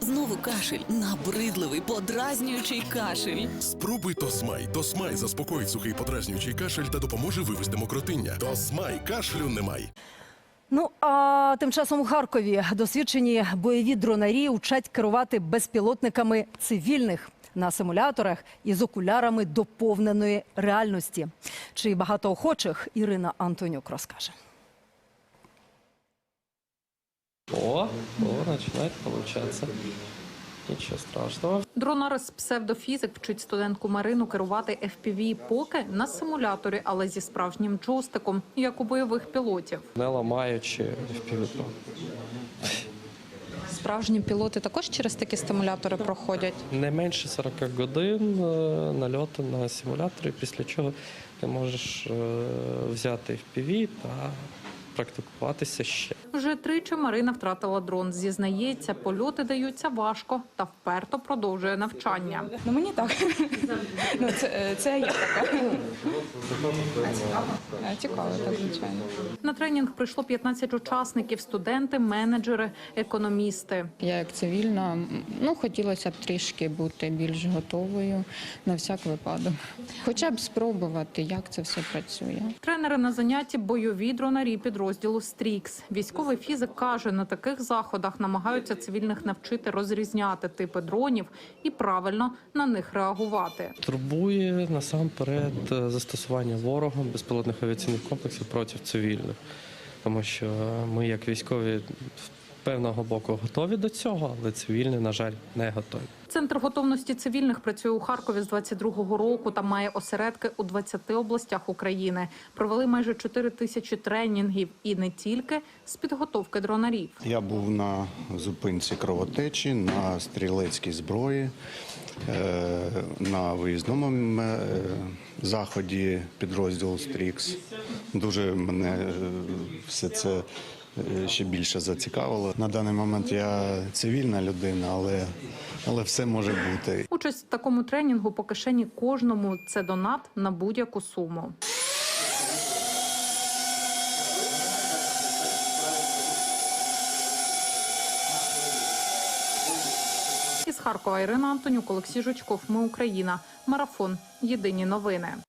Знову кашель. Набридливий, подразнюючий кашель. Спробуй Тосмай. Тосмай заспокоїть сухий подразнюючий кашель та допоможе вивести мокротиння. Тосмай, кашлю немає. Ну, а тим часом у Харкові досвідчені бойові дронарі вчать керувати безпілотниками цивільних на симуляторах із окулярами доповненої реальності. Чи багато охочих, Ірина Антонюк розкаже. Начинает получаться. Нічого страшного. Дронар з псевдофізик вчить студентку Марину керувати FPV поки на симуляторі, але зі справжнім джойстиком, як у бойових пілотів. Не ламаючи FPV. Справжні пілоти також через такі стимулятори проходять? Не менше 40 годин нальоту на симуляторі, після чого ти можеш взяти FPV та практикуватися ще. Вже тричі Марина втратила дрон. Зізнається, польоти даються важко та вперто продовжує навчання. Ну, мені так. Ну, це я така. Цікаво, так, звичайно. На тренінг прийшло 15 учасників – студенти, менеджери, економісти. Я як цивільна, хотілося б трішки бути більш готовою на всяк випадок. Хоча б спробувати, як це все працює. Тренери на занятті – бойові дронарі підрозділу «Стрікс». Військовий фізик каже, на таких заходах намагаються цивільних навчити розрізняти типи дронів і правильно на них реагувати. Турбує насамперед застосування ворогом безпілотних авіаційних комплексів проти цивільних. Тому що ми, як військові, з певного боку готові до цього, але цивільні, на жаль, не готові. Центр готовності цивільних працює у Харкові з 22-го року та має осередки у 20 областях України. Провели майже 4 тисячі тренінгів і не тільки з підготовки дронарів. Я був на зупинці кровотечі, на стрілецькій зброї, на виїзному заході підрозділу «Стрікс». Дуже мене все це ще більше зацікавило. На даний момент я цивільна людина, але все може бути. Участь в такому тренінгу по кишені кожному – це донат на будь-яку суму. Із Харкова Ірина Антонюк, Олексій Жучков. Ми Україна. Марафон. Єдині новини.